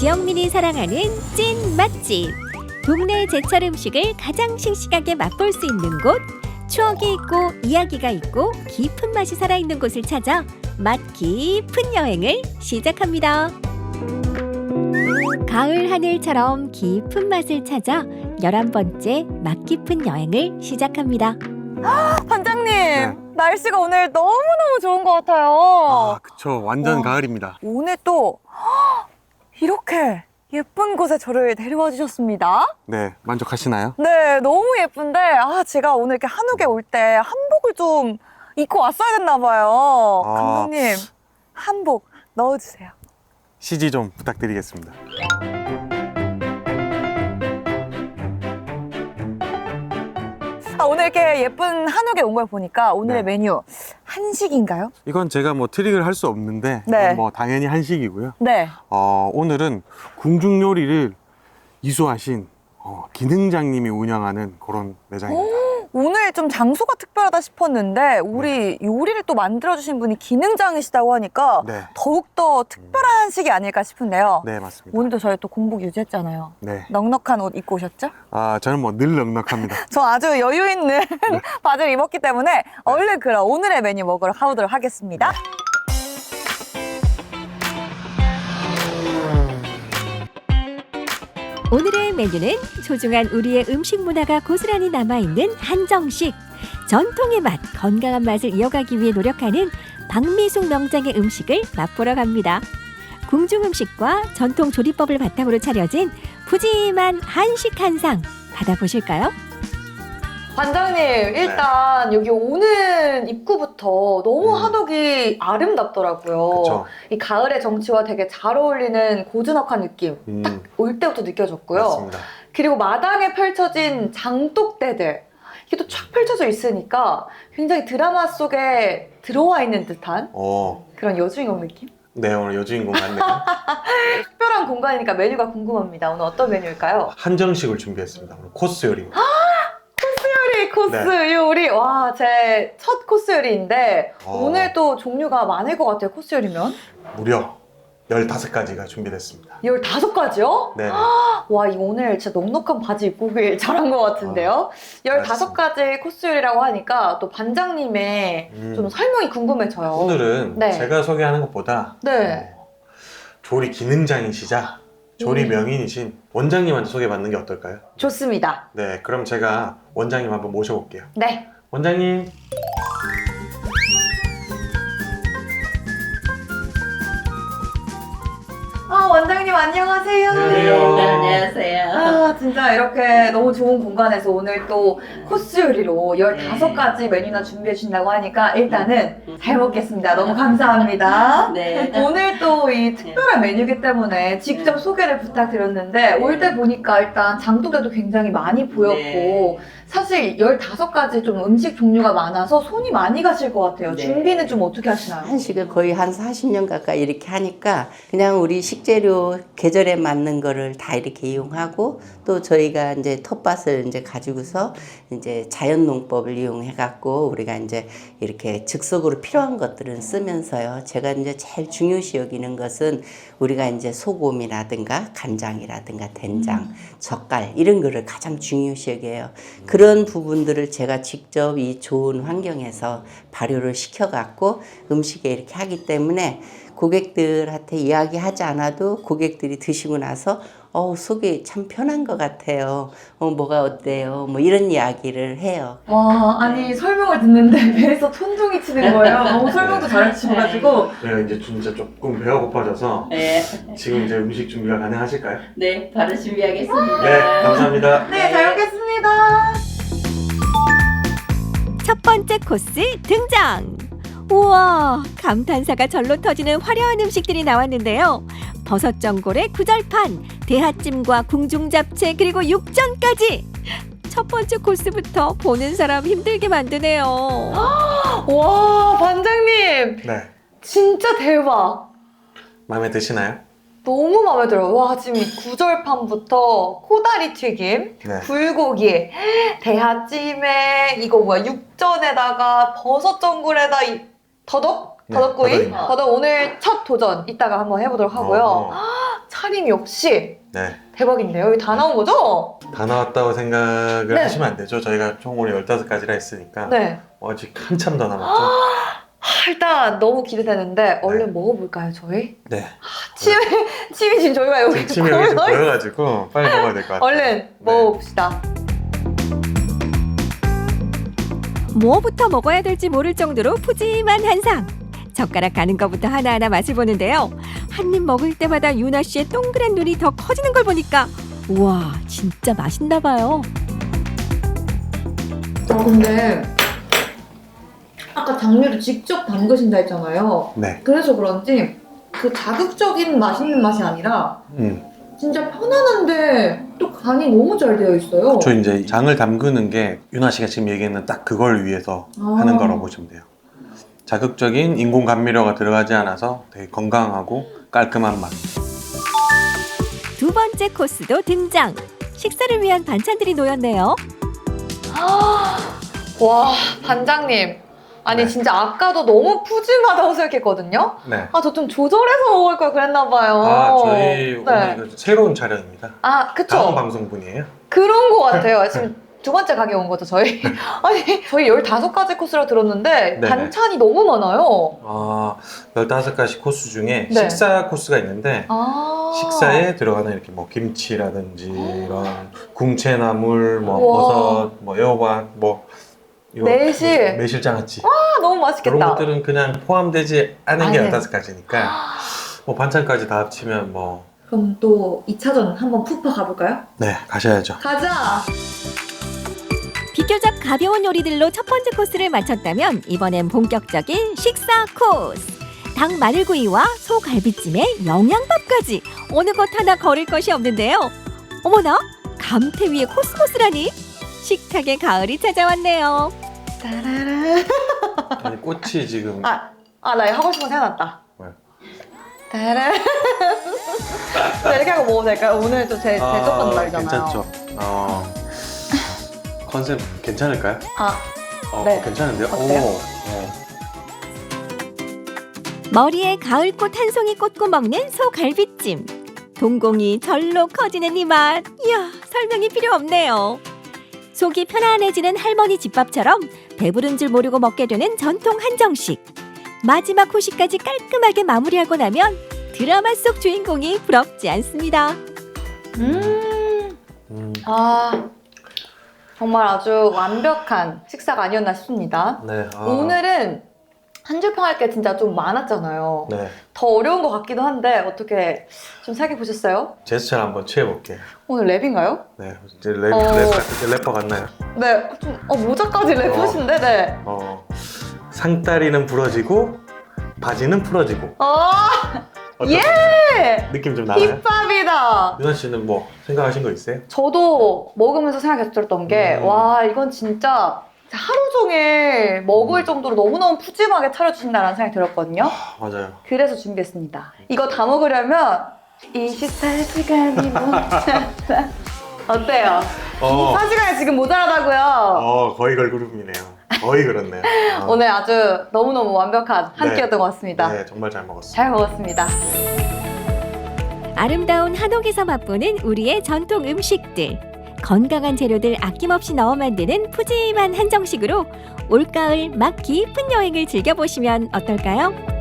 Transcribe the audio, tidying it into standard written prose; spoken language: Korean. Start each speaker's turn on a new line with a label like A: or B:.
A: 지영민이 사랑하는 찐 맛집. 동네 제철 음식을 가장 싱싱하게 맛볼 수 있는 곳. 추억이 있고 이야기가 있고 깊은 맛이 살아있는 곳을 찾아 맛 깊은 여행을 시작합니다. 가을 하늘처럼 깊은 맛을 찾아 11번째 맛 깊은 여행을 시작합니다.
B: 반장님,
C: 네.
B: 날씨가 오늘 너무너무 좋은 것 같아요.
C: 아, 그쵸. 완전
B: 와.
C: 가을입니다.
B: 오늘 또 이렇게 예쁜 곳에 저를 데려와 주셨습니다.
C: 네, 만족하시나요?
B: 네, 너무 예쁜데 제가 오늘 이렇게 한옥에 올 때 한복을 좀 입고 왔어야 됐나 봐요.
C: 아.
B: 감독님, 한복 넣어주세요.
C: CG 좀 부탁드리겠습니다.
B: 오늘 이렇게 예쁜 한옥에 온 걸 보니까 오늘의
C: 네.
B: 메뉴 한식인가요?
C: 이건 제가 뭐 트릭을 할 수 없는데
B: 네.
C: 뭐 당연히 한식이고요.
B: 네.
C: 오늘은 궁중 요리를 이수하신 기능장님이 운영하는 그런 매장입니다.
B: 오늘 좀 장소가 특별하다 싶었는데 우리 요리를 또 만들어주신 분이 기능장이시다고 하니까
C: 네.
B: 더욱더 특별한 한식이 아닐까 싶은데요.
C: 네, 맞습니다.
B: 오늘도 저희 또 공복 유지했잖아요.
C: 네.
B: 넉넉한 옷 입고 오셨죠?
C: 저는 뭐 늘 넉넉합니다.
B: 저 아주 여유 있는 바지를 입었기 때문에 얼른 그럼 오늘의 메뉴 먹으러 가보도록 하겠습니다.
A: 오늘의 메뉴는 소중한 우리의 음식 문화가 고스란히 남아있는 한정식. 전통의 맛, 건강한 맛을 이어가기 위해 노력하는 박미숙 명장의 음식을 맛보러 갑니다. 궁중 음식과 전통 조리법을 바탕으로 차려진 푸짐한 한식 한상 받아보실까요?
B: 반장님, 일단 여기 오는 입구부터 너무 한옥이 아름답더라고요.
C: 그쵸.
B: 이 가을의 정취와 되게 잘 어울리는 고즈넉한 느낌 딱 올 때부터 느껴졌고요.
C: 맞습니다.
B: 그리고 마당에 펼쳐진 장독대들 이게 또 쫙 펼쳐져 있으니까 굉장히 드라마 속에 들어와 있는 듯한 그런 여주인공 느낌?
C: 네, 오늘 여주인공 같네요.
B: 특별한 공간이니까 메뉴가 궁금합니다. 오늘 어떤 메뉴일까요?
C: 한정식을 준비했습니다. 오늘 코스 요리입니다.
B: 코스
C: 네.
B: 요리. 와, 제 첫 코스 요리인데 오늘 또 종류가 많을 것 같아요. 코스 요리면
C: 무려 15가지가 준비됐습니다.
B: 15가지요?
C: 네.
B: 와, 이거 오늘 진짜 넉넉한 바지 입고 오길 잘한 것 같은데요. 15가지 코스 요리라고 하니까 또 반장님의 좀 설명이 궁금해져요.
C: 오늘은
B: 네.
C: 제가 소개하는 것보다
B: 네.
C: 조리 기능장이시자 조리 명인이신 원장님한테 소개받는 게 어떨까요?
B: 좋습니다.
C: 네, 그럼 제가 원장님 한번 모셔볼게요.
B: 네.
C: 원장님.
B: 원장님 안녕하세요.
C: 안녕하세요.
D: 네, 안녕하세요.
B: 진짜 이렇게 너무 좋은 공간에서 오늘 또 코스 요리로 15가지 메뉴나 준비해 주신다고 하니까 일단은 잘 먹겠습니다. 너무 감사합니다.
D: 네.
B: 오늘 또 이 특별한 메뉴이기 때문에 직접 소개를 부탁드렸는데 올 때 보니까 일단 장독대도 굉장히 많이 보였고
D: 네.
B: 사실 15가지 좀 음식 종류가 많아서 손이 많이 가실 것 같아요.
D: 네.
B: 준비는 좀 어떻게 하시나요?
D: 한식을 거의 한 40년 가까이 이렇게 하니까 그냥 우리 식재료 계절에 맞는 거를 다 이렇게 이용하고 또 저희가 이제 텃밭을 이제 가지고서 이제 자연 농법을 이용해 갖고 우리가 이제 이렇게 즉석으로 필요한 것들은 쓰면서요. 제가 이제 제일 중요시 여기는 것은 우리가 이제 소금이라든가 간장이라든가 된장, 젓갈 이런 거를 가장 중요시 여겨요. 그런 부분들을 제가 직접 이 좋은 환경에서 발효를 시켜갖고 음식에 이렇게 하기 때문에 고객들한테 이야기하지 않아도 고객들이 드시고 나서 속이 참 편한 것 같아요. 뭐가 어때요? 뭐 이런 이야기를 해요.
B: 와, 아니 설명을 듣는데 배에서 천둥이 치는 거예요. 너무 설명도 잘해주셔가지고.
C: 제가 이제 진짜 조금 배가 고파져서
D: 네,
C: 지금 이제 음식 준비가 가능하실까요?
D: 네, 바로 준비하겠습니다.
C: 네, 감사합니다.
B: 네, 잘 먹겠습니다.
A: 첫 번째 코스 등장! 우와, 감탄사가 절로 터지는 화려한 음식들이 나왔는데요. 버섯 전골에 구절판, 대하찜과 궁중 잡채 그리고 육전까지! 첫 번째 코스부터 보는 사람 힘들게 만드네요.
B: 와, 반장님
C: 네,
B: 진짜 대박.
C: 마음에 드시나요?
B: 너무 마음에 들어요. 와, 지금 이 구절판부터 코다리 튀김,
C: 네.
B: 불고기, 대하찜에 이거 뭐야 육전에다가 버섯 전골에다 이 더덕?
C: 네,
B: 더덕구이?
C: 더덕입니다.
B: 더덕 오늘 첫 도전 이따가 한번 해보도록 하고요. 차림 역시
C: 네.
B: 대박인데요. 여기 다 나온 거죠?
C: 다 나왔다고 생각을
B: 네.
C: 하시면 안 되죠. 저희가 총 오늘 15가지라 했으니까
B: 네.
C: 아직 한참 더 남았죠.
B: 일단 너무 기대되는데 얼른 먹어볼까요, 저희?
C: 네.
B: 침이 지금 저희가 여기
C: 침이 여기 좀 보여가지고 빨리 먹어야 될 것 같아요.
B: 얼른
C: 네.
B: 먹어봅시다.
A: 뭐부터 먹어야 될지 모를 정도로 푸짐한 한상. 젓가락 가는 것부터 하나하나 맛을 보는데요. 한 입 먹을 때마다 유나 씨의 동그란 눈이 더 커지는 걸 보니까 우와, 진짜 맛있나 봐요.
B: 근데 아까 당류를 직접 담그신다 했잖아요.
C: 네.
B: 그래서 그런지 그 자극적인 맛있는 맛이 아니라 진짜 편안한데 또 간이 너무 잘 되어 있어요.
C: 저 이제 장을 담그는 게 유나 씨가 지금 얘기했는 딱 그걸 위해서
B: 아.
C: 하는 거라고 보시면 돼요. 자극적인 인공 감미료가 들어가지 않아서 되게 건강하고 깔끔한 맛.
A: 두 번째 코스도 등장. 식사를 위한 반찬들이 놓였네요.
B: 와, 반장님. 아니
C: 네.
B: 진짜 아까도 너무 푸짐하다고 생각했거든요.
C: 네.
B: 아, 저 좀 조절해서 먹을 걸 그랬나 봐요.
C: 아, 저희 오늘
B: 네.
C: 이거 새로운 촬영입니다.
B: 아, 그쵸.
C: 다음 방송분이에요.
B: 그런 거 같아요. 지금 두 번째 가게 온 거죠, 저희? 아니, 저희 15가지 코스라 들었는데
C: 네네.
B: 반찬이 너무 많아요.
C: 아, 15가지 코스 중에
B: 네.
C: 식사 코스가 있는데
B: 아.
C: 식사에 들어가는 이렇게 뭐 김치라든지 이런 궁채나물, 뭐
B: 우와.
C: 버섯, 뭐 애호박, 뭐 이거
B: 매실.
C: 매실장아찌
B: 아, 너무
C: 이런
B: 맛있겠다.
C: 것들은 그냥 포함되지 않은 게
B: 아, 네.
C: 15가지니까 뭐 반찬까지 다 합치면 뭐
B: 그럼 또 2차전 한번 푹 가볼까요?
C: 네, 가셔야죠.
B: 가자!
A: 비교적 가벼운 요리들로 첫 번째 코스를 마쳤다면 이번엔 본격적인 식사 코스. 닭 마늘구이와 소갈비찜에 영양밥까지 어느 것 하나 거를 것이 없는데요. 어머나, 감태 위에 코스모스라니? 식탁에 가을이 찾아왔네요.
B: 따라란.
C: 아니 꽃이 지금
B: 나 이거 하고 싶은 거 생각났다.
C: 뭐요?
B: 따란. 자, 이렇게 하고 먹어도 될까요? 오늘 또 제 대접받는 날이잖아요.
C: 괜찮죠. 컨셉 괜찮을까요?
B: 네.
C: 괜찮은데요?
B: 어때요?
A: 머리에 가을꽃 한 송이 꽂고 먹는 소갈비찜. 동공이 절로 커지는 이 맛. 이야, 설명이 필요 없네요. 속이 편안해지는 할머니 집밥처럼 배부른 줄 모르고 먹게 되는 전통 한정식. 마지막 후식까지 깔끔하게 마무리하고 나면 드라마 속 주인공이 부럽지 않습니다.
B: 정말 아주 완벽한 식사가 아니었나 싶습니다.
C: 네.
B: 오늘은 한 줄 평할 게 진짜 좀 많았잖아요.
C: 네.
B: 더 어려운 것 같기도 한데 어떻게 좀 생각해 보셨어요?
C: 제스처를 한번 취해볼게요.
B: 오늘 랩인가요?
C: 네. 이제 래퍼 같나요?
B: 네, 좀 모자까지 랩하신데, 네.
C: 상다리는 부러지고 바지는 풀어지고. 어떤
B: 예!
C: 느낌 좀 나나요?
B: 힙합이다.
C: 유나 씨는 뭐 생각하신 거 있어요?
B: 저도 먹으면서 생각했었던 게, 와, 이건 진짜 하루 종일 먹을 정도로 너무너무 푸짐하게 차려주신다는 생각이 들었거든요.
C: 맞아요.
B: 그래서 준비했습니다. 이거 다 먹으려면 24시간이 모자라. 어때요? 24시간이 지금 모자라다고요.
C: 거의 걸그룹이네요. 거의 그렇네요.
B: 오늘 아주 너무너무 완벽한 한 끼였던 것 같습니다.
C: 네, 정말 잘 먹었어요.
B: 잘 먹었습니다.
A: 아름다운 한옥에서 맛보는 우리의 전통 음식들. 건강한 재료들 아낌없이 넣어 만드는 푸짐한 한정식으로 올가을 맛 깊은 여행을 즐겨보시면 어떨까요?